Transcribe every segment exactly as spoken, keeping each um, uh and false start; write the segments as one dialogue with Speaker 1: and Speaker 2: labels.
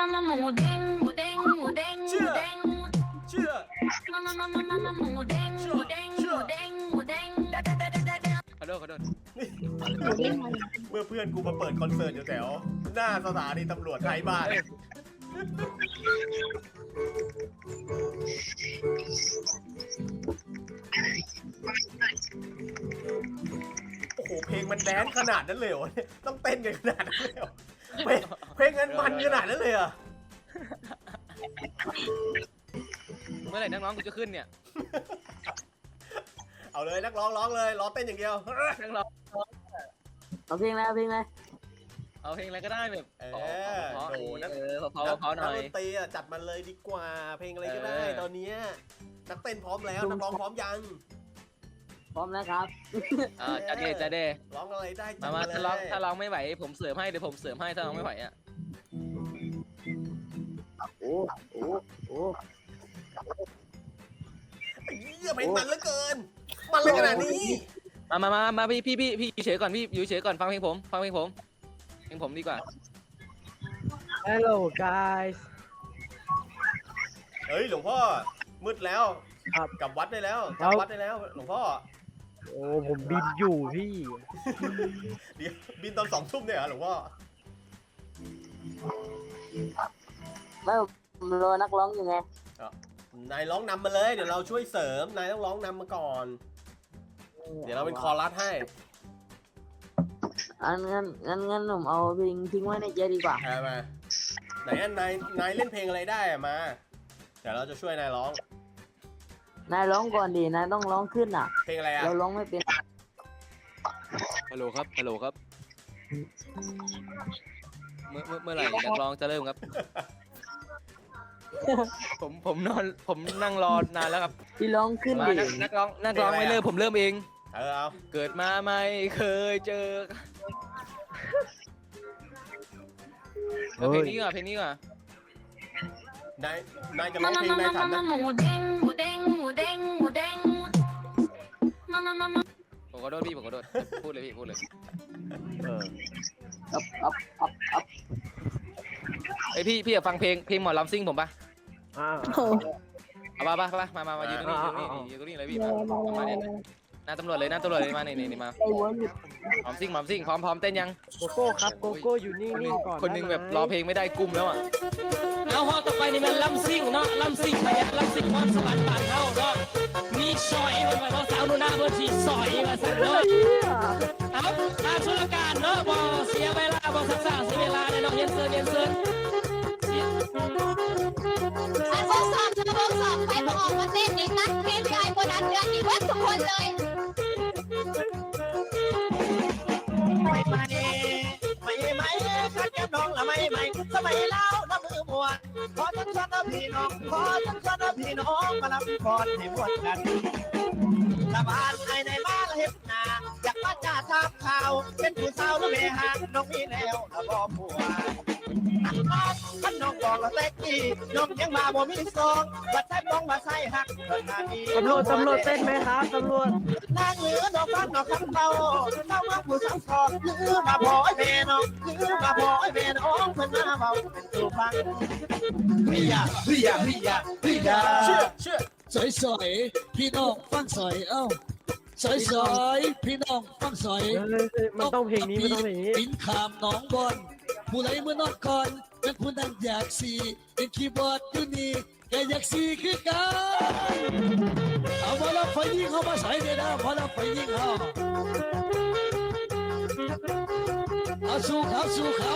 Speaker 1: เชื่อเชื่อขอโทษขอโทษนี่เมื่อเพื่อนกูมาเปิดคอนเสิร์ตอยู่แถวหน้าสถานีตำรวจไทยบ้านโอ้โหเพลงมันแดนขนาดนั้นเลยเหรอเนี่ยต้องเต้นกันขนาดนั้นเลยเหรอเพลงเพลงมันมันขนาดนั้นเลยเหรอ
Speaker 2: เมื่อไหร่นักร้องกูจะขึ้นเนี่ย
Speaker 1: เอาเลยนักร้องร้องเลยร้องเต้นอย่างเดียว
Speaker 2: นักร้อง
Speaker 3: เอาเพลงอะไรเอาเพลงอะไร
Speaker 2: เอาเพลงอะไรก็ได้แบบ
Speaker 1: เอ
Speaker 2: อเพราะเออเพราะเพราะหน่อย
Speaker 1: นักดนตรีจัดมันเลยดีกว่าเพลงอะไรก็ได้ตอนนี้นักเต้นพร้อมแล้วนักร้องพร้อมยัง
Speaker 3: พร้อมแล้วครับ
Speaker 2: อ่าจะเดจะเด
Speaker 1: ร้องอะไรได้
Speaker 2: มามาถ้าร้องถ้าร้องไม่ไหวผมเสริมให้เดี๋ยวผมเสริมให้ถ้าร้องไม่ไหวอ่ะ
Speaker 3: โอ้โอ้โอ้
Speaker 1: เยี่ยมเพลงมันเหลือเกินมันเลยขนาดนี้
Speaker 2: มามามามาพี่พี่พี่พี่อยู่เฉยก่อนพี่อยู่เฉยก่อนฟังเพลงผมฟังเพลงผมเพลงผมดีกว่า
Speaker 4: Hello guys
Speaker 1: เฮ้ยหลวงพ่อมืดแล้ว
Speaker 4: ครับ
Speaker 1: กลับวัดได้แล้วกลับวัดได้แล้วหลวงพ่อ
Speaker 4: โอ้ผมบินอยู่พี่
Speaker 1: เดี๋ยวบินตอนสองทุ่มเนี่ยเหรอหลวงพ่อ
Speaker 3: ไม่รอนักร้องอยู่ไง
Speaker 1: นายร้องนำมาเลยเดี๋ยวเราช่วยเสริมนายต้องร้องนำมาก่อนเดี๋ยวเราเป็นคอรัสให้
Speaker 3: อันงั้นงั้นงั้นผมเอาเพลงทิ้งไว้ในใจดีกว่า
Speaker 1: เอามาไหนอันนายนายเล่นเพลงอะไรได้มาเดี๋ยวเราจะช่วยนายร้อง
Speaker 3: นายร้องก่อนดินายต้องร้องขึ้นอ่ะ
Speaker 1: เพลงอะไรอ่ะ
Speaker 3: เราร้องไม่เป็น
Speaker 2: ฮัลโหลครับฮัลโหลครับเมื่อเมื่อไหร่นักร้องจะเริ่มครับผมผมนอนผมนั่งรอนานแล้วครับ
Speaker 3: พี่ร้องขึ้นดิ
Speaker 2: นักร้องนักร้องไม่เริ่มผมเริ่มเอง
Speaker 1: เออเอา
Speaker 2: เกิดมาไม่เคยเจอเพลงนี้ก่อนเพลงนี้ก่อน
Speaker 1: นายนายจะร้องเพลงนายถามนะ
Speaker 2: ผมขอโทษพี่ผมขอโทษพูดเลยพี่พูดเลย
Speaker 4: เออ
Speaker 3: อัพอัพอัพอัพ
Speaker 2: ไอพี่พี่อยากฟังเพลงเพลงหมอลำซิ่งผมปะ
Speaker 4: อ่า
Speaker 2: เอามาปะมามามามายืนตรงนี้ยืนตรงนี้ยืนตรงนี้เลยพี่มามาเนี่ยหน้าตำรวจเลยหน้าตำรวจเลยมาเนี่ยนี่มาหมอมซิ่งหมอมซิ่งพร้อมพร้อมเต้นยัง
Speaker 4: โกโก้ครับโกโก้อยู่นิ่งๆก่อน
Speaker 2: คนนึงแบบรอเพลงไม่ได้กุมแล้วอ่ะเอาฮอต่อไปนี่มันลำซิ่งเนาะลำซิ่งไปลำซิ่งความสวรรค์บ้านเฮาเนาะมีซอยมันไปเพราะสาวนูน่าเบอร์ที่ซอยมาสั่งเนาะเอาทางสุรการเนาะบ่เสียเวลาบ่สักษาเสียเวลาเลยเนาะเย็นเซิร์เย็นเซิร์
Speaker 5: ถ้าทดสอบจะทดสอบไปพอออกมาเต้นอีกนะพี่พี่ไอ้คนนั้นเดือนอีกวัดทุกคนเลย
Speaker 6: ไม่ไม่ไม่ไม่ขัดแก้มน้องละไม่ไม่สมัยเล่าน้ำมือมวนขอทั้งสันพี่น้องขอทั้งสันพี่น้องมาลำพรให้มวนกันสะบานไอ้ในบ้านเฮ็ดนาอยากมาจ่าทาบข่าวเป็นผู้สาวแล้วแม่หางน้องมีแล้วละบ่ผัวอันน้องอันน้องบอกละเต็กกี้น้องยังมาบ่มีซองบัดใช้บ้องมาใส่หักต
Speaker 4: ำรวจตำรวจเต้นไหมครับตำรวจ
Speaker 6: นางเหลือดอกฟังดอกคำเบาเจ้าเมืองผู้สังทองหรือมาพอไอ้แม่น้องหรือมาพอไอ้แม่น้องเพิ่นมาเบาเป็นตัวฟังเฮียเฮียเฮียเฮีย
Speaker 1: เชื่อเชื่อ
Speaker 7: สอยสอยพี่น้องฟังสอยเอ้าสอยสอยพี่น้องฟังสอย
Speaker 4: มันต้องเพลงนี้มันต้องเพลงนี้
Speaker 7: ปินขามน้องบอลผู้ไรเมื่อนอนก่อนเป็นผู้นั้นอยากสีเป็นคีย์บอร์ดอยู่นี่แกอยากสีคือกันเอาพอแล้วไฟยิงเขามาใส่เลยนะพอแล้วไฟยิงเขาเอาสู้เขาสู้เขา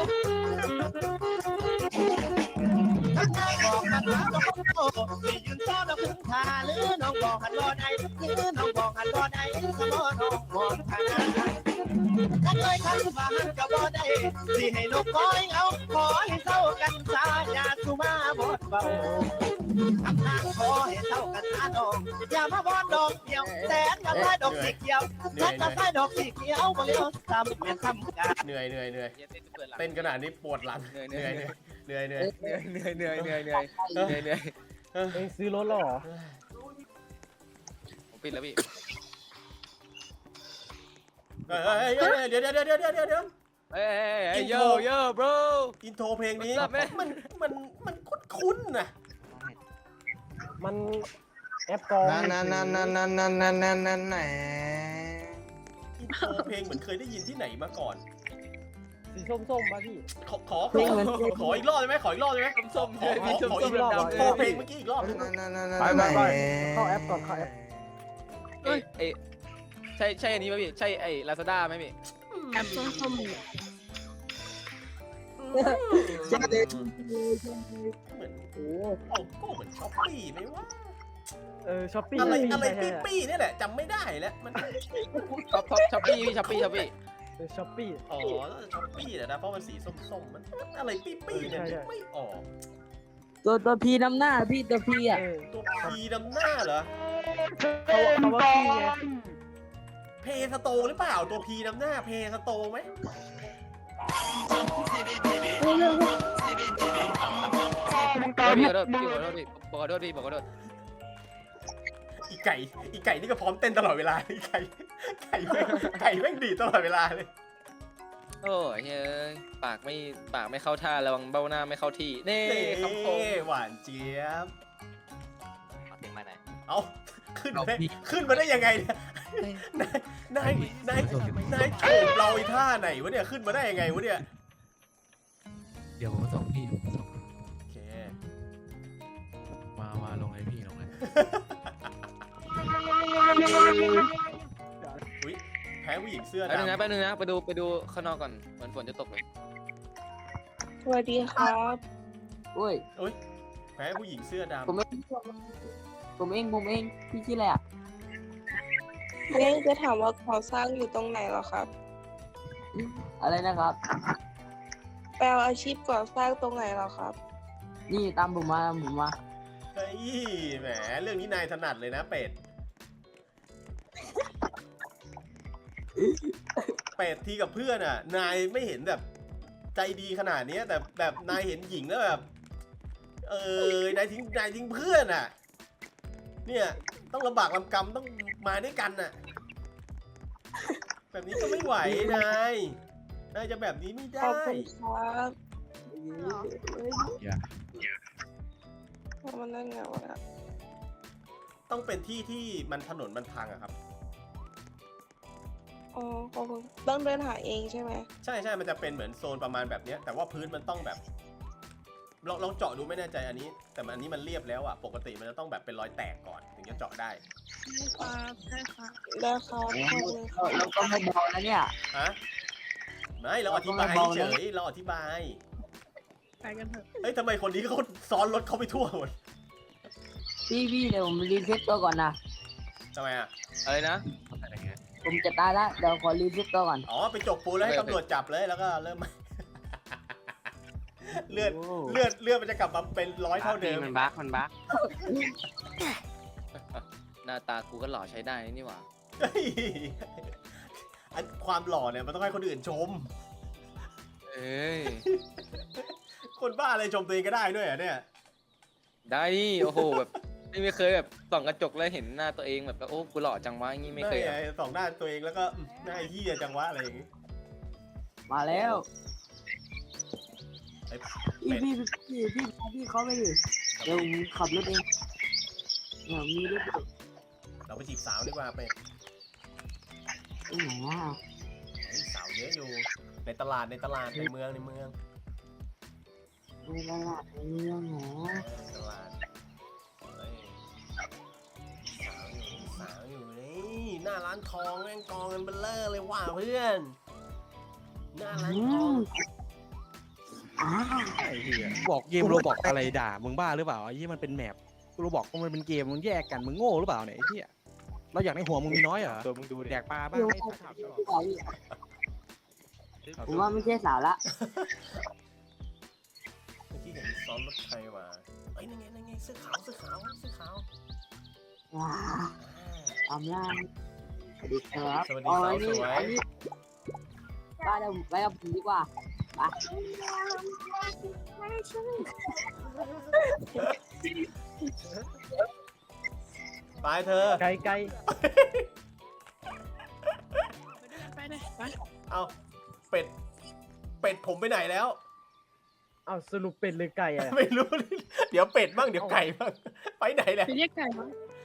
Speaker 6: บอกกันว่าน้องโตที่ยืนซ้อนแล้วพึ่งพาหรือน้องบอกหันบ่ได้หรือน้องบอกหันบ่ได้สมอน้องมองทางนั้นถ้าเคยทำฝันก็บ่ได้สิให้นกก้อยเอาขอให้เศร้ากันซาอย่าสุมาบดเบาทำทางขอให้เศร้ากันซาดอกอย่ามาบอนดอกเดียวแสนกับไม้ดอกสีเขียวแสนกับไม้ดอกสีเขียวบ่เลี้ยวซ้ำแม่นซ้ำกัน
Speaker 1: เหนื่อยเหนื่อยเหนื่อยเต้นขนาดนี้ปวดหลังเหนื่อยเหนื่อยเหนื่อยเหนื่อย
Speaker 2: เหนื่อยเหนื่อยเหนื่อยเหนื่อยเหนื่อยเหนื่อย
Speaker 4: เองซื้อรถหรอ
Speaker 2: ผมปิดแล้วพี่
Speaker 1: เฮ้ยเดี๋ยวเดี๋ยวเดี๋ยวเดี๋ยวเดี๋ยว
Speaker 2: เฮ้ยเฮ้ยโยโย่ bro
Speaker 1: อินโทรเพลงนี้
Speaker 2: What's up, man?
Speaker 1: มันมันมันคุ้นๆนะ
Speaker 4: มันแอปกอง
Speaker 6: นั่นนั่นนั่นนั่นนั่นนั่นนั่นนั่นนั่นไหน
Speaker 1: อินโทรเพลงเหมือนเคยได้ยินที่ไหนมาก่อน
Speaker 4: สีส้มๆป่ะพี่
Speaker 1: ขอขอขอขออีกรอบได้ไหมขออีกรอบได้ไหม
Speaker 2: ส้มๆ
Speaker 1: ขอ
Speaker 2: เลย
Speaker 1: ข
Speaker 2: มี
Speaker 1: อ
Speaker 2: ส้ม
Speaker 1: ขอ
Speaker 2: ส้
Speaker 1: อี
Speaker 2: ม
Speaker 1: กรอบ
Speaker 2: ดำๆ
Speaker 1: ขอเพลงเมื่อกี้อีกรอบ
Speaker 6: นั่นนั่นนั่น
Speaker 4: ไปไปไป
Speaker 6: ไหน
Speaker 4: เข้าแอปก่อนเข้าแอป
Speaker 2: เอ้ยเอ้ยใช่ใช่อันนี้ป่ะพี่ใช่ไอ้ลาซาด้าไหมพี่
Speaker 5: แอปส้มๆ
Speaker 3: ใช่เลย
Speaker 1: เหมือนโอ้โอ้ก็เหมือนช้อปปี้ไหมวะ
Speaker 4: เออช้อปปี้
Speaker 1: อะไรอะไร
Speaker 4: ใช่
Speaker 1: ปี้
Speaker 4: ใช่
Speaker 1: ปี้เนี่ยแหละจำไม่ได้แล้วมัน
Speaker 2: ช็อปช็อปช็อปปี้พี่ช็อปปี้ช็อปปี้
Speaker 4: เออช้อปปี้
Speaker 1: อ๋อช้อปปี้แหละนะเพราะมันสีส้มๆมันอะไรปี้ปี้เนี่ย
Speaker 4: ใช่ใช่
Speaker 1: นึกไม่ออก
Speaker 3: ตัวตัวพีน้ำหน้าพี่ตัวพีอ่ะ
Speaker 4: เออ
Speaker 1: ตัวพีนำหน้าเหรอ
Speaker 4: เขาเขาว่าพี่ไง
Speaker 1: เพสโตหรือเปล่าตัวพีนำหน้าเพสโตไหม
Speaker 2: ขอโทษขอโทษพี่ขอโทษพี่ขอโทษพี่ขอโทษ
Speaker 1: อีไก่อีไก่นี่ก็พร้อมเต้นตลอดเวลาอีไก่ไก่แม่งไก่แม่งดีดตลอดเวลาเลย
Speaker 2: โอ้ยเฮ้ยปากไม่ปากไม่เข้าท่าระวังเบ้าหน้าไม่เข้าที่เน่คำคม
Speaker 1: เน่หวานเจี๊ยบ
Speaker 2: เอาเสียงมาไหน
Speaker 1: เอาขึ้นมาได้ขึ้นมาได้ยังไงเนี่ยนายนายนายโฉบเราไอ้ท่าไหนวะเนี่ยขึ้นมาได้ยังไงวะเนี่ย
Speaker 8: เดี๋ยวผมมาส่งพี่ผมมาส่ง
Speaker 1: โอเค
Speaker 8: มา มาลงเลยพี่ลงเลย
Speaker 1: อุ้ยแพ้ผู้หญิงเสื้อ
Speaker 2: แป๊บนึงนะ
Speaker 1: ดำ
Speaker 2: แป๊บนึงนะไปดูไปดูข้างนอกก่อนเหมือนฝนจะตกเลย
Speaker 5: สวัสดีครับ
Speaker 3: โอ้ย
Speaker 1: อุ้ยแพ้ผู้หญิงเสื้อดำ
Speaker 3: ผมเองผมเองผมเองพี่ชื่ออะไรอ่ะ
Speaker 5: เรื่องจะถามว่าก่อสร้างอยู่ตรงไหนเหรอครับ
Speaker 3: อะไรนะครับ
Speaker 5: แปลอาชีพก่อสร้างตรงไหนเหรอครับ
Speaker 3: นี่ตามผมมาตามผมมา
Speaker 1: เฮ้ยแหมเรื่องนี้นายถนัดเลยนะเป็ดเป็ดทีกับเพื่อนอ่ะ นายไม่เห็นแบบใจดีขนาดนี้แต่แบบนายเห็นหญิงแล้วแบบ เออนายทิ้งนายทิ้งเพื่อนอ่ะ เนี่ยต้องลำบากลำกำต้องมาด้วยกันน่ะ แบบนี้ก็ไม่ไหวนายนายจะแบบนี้ไม่
Speaker 5: ข
Speaker 1: ได้
Speaker 5: อบคุณครับ
Speaker 8: อย่า
Speaker 5: มันนั่นไงวะ
Speaker 1: ต้องเป็นที่ที่มันถนนมันพังอะครับ
Speaker 5: อ๋อขอบคุณต้องเดินหาเองใช่ไหม
Speaker 1: ใช่ใช่มันจะเป็นเหมือนโซนประมาณแบบเนี้ยแต่ว่าพื้นมันต้องแบบลองลองเจาะดูไม่แน่ใจอันนี้ แต่มันอันนี้มันเรียบแล้วอะปกติมันจะต้องแบบเป็นรอยแตกก่อนถึงจะเจาะได้
Speaker 5: ครับได้ครับได้ครับขอบคุณครับ
Speaker 3: เราก็ไม่เบานะเนี่ย
Speaker 1: ฮะไม่เราอธิบายเฉยเราอธิบาย
Speaker 5: ไปกันเถอะ
Speaker 1: เอ้ยทำไมคนนี้เขาซ้อนรถเขาไปทั่วหมด
Speaker 3: พี่พี่เดี๋ยวผมรีเซ็ตตัวก่อนนะ
Speaker 1: ทำไมอะ
Speaker 2: อะไรนะ
Speaker 8: อะไรเงี้ย
Speaker 3: ผมจะตายแล้วเดี๋ยวขอรีเซ็ตตัวก่อน
Speaker 1: อ๋อไปจกปูนแล้วให้ตำรวจจับเลยแล้วก็เริ่ม เลือดเลือดเลือดมันจะกลับมาเป็นร้อยเท่าเดิม
Speaker 2: มันบั๊กมันบั๊กหน้าตากูก็หล่อใช้ได้นี่หว่า
Speaker 1: เฮ้ยอันความหล่อเนี่ยมันต้องให้คนอื่นชม
Speaker 2: เอ้ย
Speaker 1: คนบ้าอะไรชมตัวเองก็ได้ด้วยเหรอ่ะเนี่ย
Speaker 2: ได้ดิโอ้โหแบบไม่เคยแบบส่องกระจกแล้วเห็นหน้าตัวเองแบบโอ้กูหล่อจังวะอย่างงี้ไม่เคย
Speaker 1: นั่น
Speaker 2: อะ
Speaker 1: ไงสองหน้าตัวเองแล้วก็อืมหน้าไอ้เหี้ยจังวะอะไรอย่างงี้
Speaker 3: มาแล้ว
Speaker 1: ไอ้
Speaker 3: พี่พี่พี่พี่พาพี่เขาไปดิเดี๋ยวผมขับรถเองเนี่ยมีรถอยู่
Speaker 1: เราไปจีบสาวดีกว่าไป
Speaker 3: ตรงไหนอ่ะ
Speaker 1: เฮ้ยสาวเยอะอยู่ ในตลาดในตลาดในเมืองในเมือง
Speaker 3: ในตลาดในเมืองเหรอ
Speaker 1: เออในตลาดเฮ้ยสาวอยู่สาวอยู่นี่หน้าร้านทองแม่งกองกันเบลเลอร์เลยว่ะเพื่อนหน้าร้าน
Speaker 3: อื
Speaker 1: ทอง
Speaker 3: มอ่า
Speaker 9: ไอ้เหี้ยบอกเกมโรบอกอะไรด่ามึงบ้าหรือเปล่าไอ้เหี้ยมันเป็นแมปโรบอกมันเป็นเกมมึงแยกกันมึงโง่หรือเปล่าเนี่ยไอ้เหี้ยเราอยากในหัวมึงมีน้อยเหรอ
Speaker 2: ตัวมึงดูดิ
Speaker 9: แดกปลาบ้างไอ้สัตว์
Speaker 3: ผมว่าไม่ใช่สาวละ
Speaker 1: เมื่อกี้เห็นซ้อนรถใครมาเอ้ยนั่นไงนั่นไงเสื้อขาวเสื้อขาวเสื้อขาว
Speaker 3: ว้า
Speaker 1: อ่า
Speaker 3: ตามล่างสวัสดีครับ
Speaker 1: สวัสดี
Speaker 3: อ๋อ
Speaker 1: สาว
Speaker 3: อันนี้
Speaker 1: สวย
Speaker 3: อันนี้ป้าเดี๋ยวผมไปกับผมดีกว่าไป
Speaker 1: ไปเธอ
Speaker 4: ไกลไกล
Speaker 5: ไปเลยไป
Speaker 1: เอาเป็ดผมไปไหนแล้ว
Speaker 4: เอาสรุปเป็ดหรือไก่อะ
Speaker 1: ไม่รู้ เดี๋ยวเป็ดบ้างเดี๋ยวไก่บ้างไปไหนแล้ว
Speaker 5: ไปเรียกไก่มา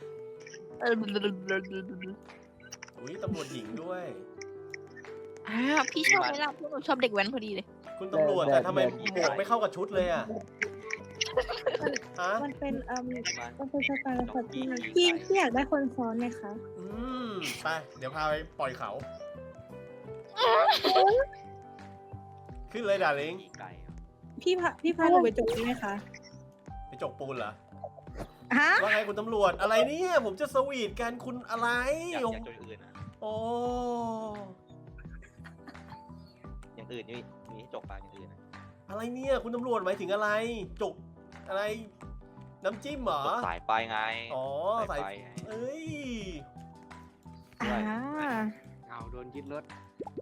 Speaker 1: อุ้ยตำรวจหญิงด้วย
Speaker 5: อ่าพี่ชอบไหมล่ะพวกหนูชอบเด็กแว้นพอดีเลย
Speaker 1: คุณตำรวจแต่ทำไมหมวกไม่เข้ากับชุดเลยอ่ะฮะ
Speaker 10: มันเป็นเอ่อมันเป็นสไตล์แบบที่พี่พี่อยากได้คนซ้อนไหมคะ
Speaker 1: อืมไปเดี๋ยวพาไปปล่อยเขา ขึ้นเลยดาริง
Speaker 10: พี่พาพี่พาหนูไปจบได้ไหมคะ
Speaker 1: ไปจกปูนเหรอ
Speaker 10: ฮะ
Speaker 1: ว่าไงคุณตำรวจอะไรเนี่ยผมจะสวีทกันคุณอะไร
Speaker 6: อยากอยากจดอื่นนะ
Speaker 1: โอ้
Speaker 6: อย่างอื่นนี่มีให้จกปากอย่างอื่นนะ
Speaker 1: อะไรเนี่ยคุณตำรวจหมายถึงอะไร จกอะไร น้ำจิ้มเหรอ
Speaker 6: จกสายไฟไง
Speaker 1: อ๋อ
Speaker 6: สาย
Speaker 1: ใส่
Speaker 6: ไฟไง
Speaker 1: เอ้ย
Speaker 10: อ่า
Speaker 9: เอาโดนยึดรถ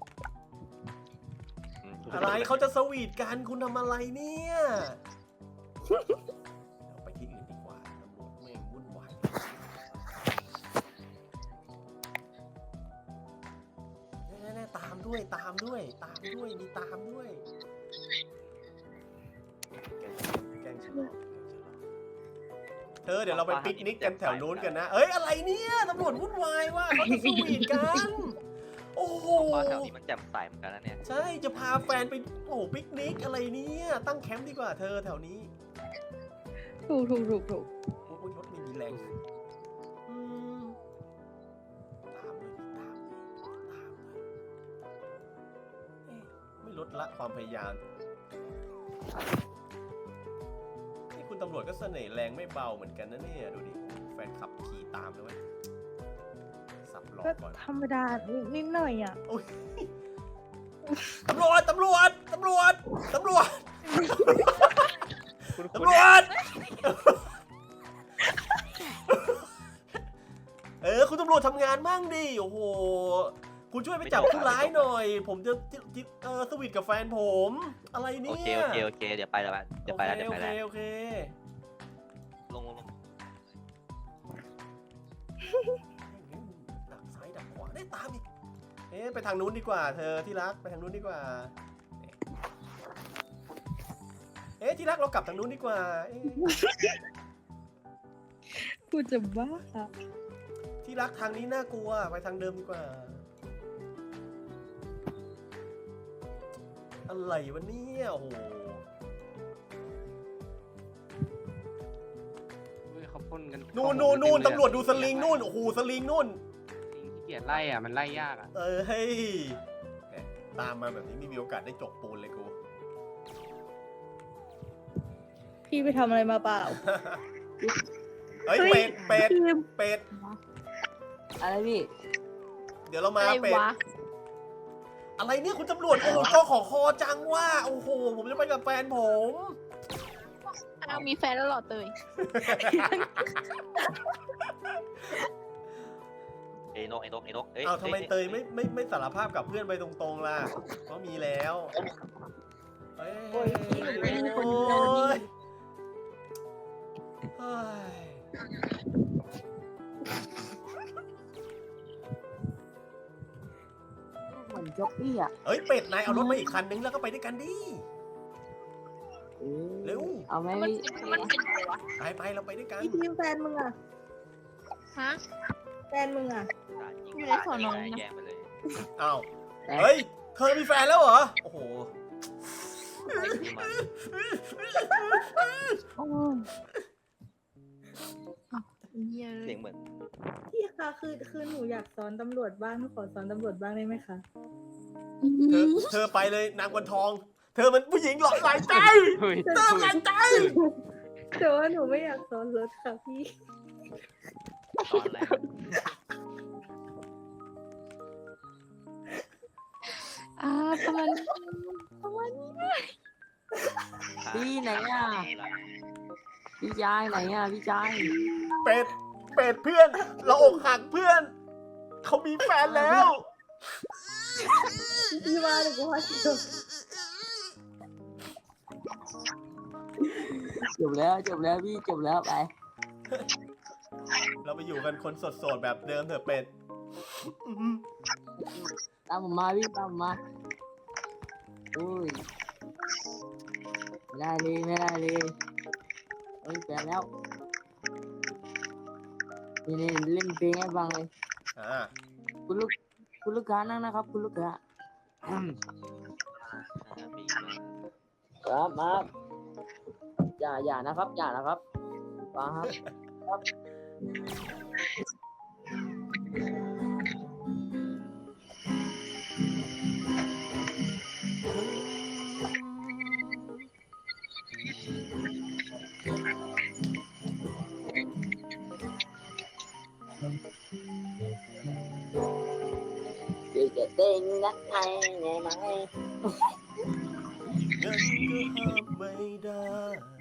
Speaker 6: อืม
Speaker 1: อะไรเขาจะสวีทกันคุณทำอะไรเนี่ยเดี๋ยวไปที่อื่นดีกว่าตำรวจแม่งวุ่นวายแน่ๆตามด้วยตามด้วยตามด้วยมีตามด้วยแกล้งฉันหรอกเธอเดี๋ยวเราไปปิกนิกกันแถวนู้นกันนะเอ้ยอะไรเนี่ยตำรวจวุ่นวายว่ะเขาจะสวีทกันโอ้โห
Speaker 6: เพราะแถวนี้มันแจ่มใสเหมือนกันนะเนี่ย
Speaker 1: ใช่ จะพาแฟนไปโอ้โหปิกนิกอะไรเนี่ย ตั้งแคมป์ดีกว่าเธอแถวนี้
Speaker 10: ถูกถูกถูกถูก
Speaker 1: โอ้ยรถไม่มีแรงอืมตามเลยตามเลยตามเลยเอ๊ะไม่ลดละความพยายามนี่คุณตำรวจก็เสน่ห์แรงไม่เบาเหมือนกันนะเนี่ย ดูดิ แฟนขับขี่ตามเลยเว้ยสับล้อ
Speaker 10: ก็
Speaker 1: ก่อน
Speaker 10: ธรรมดานิดหน่อยอ่ะ
Speaker 1: โอ้ยตำรวจ ตำรวจ ตำรวจ ตำรวจ ตำรวจ เออ คุณตำรวจทำงานมั่งดิ โอ้โห คุณช่วยไปจับผู้ร้ายหน่อย ผมจะจิเออสวีทกับแฟนผม อะไรเนี่
Speaker 6: โอย เคโอเคโอเคเดี๋ยวไปแล้วเดี๋ยวไปแล้วเดี๋ยวไปแล้ว
Speaker 1: โอเค
Speaker 6: ลงลงลง
Speaker 1: ดักซ้ายดักขวาได้ตามอีก เอ๊ะไปทางนู้นดีกว่า เธอที่รักไปทางนู้นดีกว่า เอ๊ะที่รักเรากลับทางนู้นดีกว่า เอ๊ะ
Speaker 10: กูจะบ้า
Speaker 1: ที่รักทางนี้น่ากลัวไปทางเดิมดีกว่า อะไรวะเนี่ยโอ้โห
Speaker 9: เขาพ่นกัน
Speaker 1: นู่นนู่นนู่นตำรวจดูสลิงนู่นโอ้โหสลิงนู่น
Speaker 9: ขี้เกียจไล่อ่ะมันไล่ยากอ่ะ
Speaker 1: เออเฮ้ยแหม่ตามมาแบบนี้ไม่มีโอกาสได้จกปูนเลยกู
Speaker 10: พี่ไปทำอะไรมาเปล่า
Speaker 1: เฮ้ยเป็ดเป็ดเป็ด
Speaker 3: อะไรพี่
Speaker 1: เดี๋ยวเรามา
Speaker 5: อะไร
Speaker 1: เป็ด
Speaker 5: วะ
Speaker 1: อะไรเนี่ยคุณตำรวจโอ้โหจอขอคอจังว่าโอ้โหผมจะไปกับแฟนผม
Speaker 5: อ้าวมีแฟนแล้วเหรอเตย
Speaker 6: เอ้ยนกไอ้นกไอ้นกเอ้ย
Speaker 1: อ้าวทำไมเตยไม่ไม่ไม่สารภาพกับเพื่อนไปตรงๆล่ะก็มีแล้วเฮ้ย
Speaker 10: โอ้ยพี่
Speaker 1: โอ้ย
Speaker 10: เป็นคนเดียวนี่
Speaker 1: เฮ้ย
Speaker 3: เหมือนจ็อกกี้อ่ะ
Speaker 1: เอ้ยเป็ดนายเอารถมาอีกคันนึงแล้วก็ไปด้วยกันดิ
Speaker 3: เอ้ย
Speaker 1: เร็ว
Speaker 3: เอาไหม
Speaker 5: มัน
Speaker 3: พี่
Speaker 5: มันเป็นอะไรวะ
Speaker 1: ไปไปเราไปด้วยกัน
Speaker 10: พี่ทีมแฟนมึงอ่ะ
Speaker 5: ฮะ
Speaker 10: แฟนมึงอ่ะ
Speaker 5: อยู่ในสอนอนะ
Speaker 6: แย่งไปเลย
Speaker 1: อ้าวเฮ้ยเธอมีแฟนแล้วเหรอโอ้โห
Speaker 10: โอ้ย
Speaker 5: เหี้ย
Speaker 6: เสียงเหมือน
Speaker 10: พี่คะคือคือหนูอยากสอนตำรวจบ้างหนูขอสอนตำรวจบ้างได้ไหมคะ
Speaker 1: เธอเธอไปเลยนางวันทอง เธอมันผู้หญิงหลอกหลายใจเธอหลายใจ
Speaker 10: แต่ว่าหนูไม่อยากสอนรถค่ะพี่
Speaker 6: ตอนแรก
Speaker 5: อ่าประมาณประมาณนี้
Speaker 3: พี่ไหนอ่ะพี่ชายไหนอ่ะพี่ชาย
Speaker 1: เป็ดเป็ดเพื่อน เราอกหักเพื่อน เขามีแฟนแล้ว
Speaker 10: พี่ว่าหนูก็ว่าจบ
Speaker 3: จบแล้วจบแล้วพี่จบแล้วไป
Speaker 1: เราไปอยู่กันคนโสดๆแบบเดิมเถอะเป็ด
Speaker 3: ตามผมมาพี่ตามผมมาอุ้ยไม่ได้เลยไม่ได้เลยเอ้ยแปลแล้วนี่นี่เล่นเพลงให้ฟังเลย
Speaker 1: อ่า
Speaker 3: คุณลูกคุณลูกค้านั่งนะครับ คุณลูกค้าครับมาอย่าอย่านะครับ อย่านะครับฟังครับครับพี่จะเต้นนักไทยไงไหม
Speaker 1: งั้นก็ห้ามไม่ได้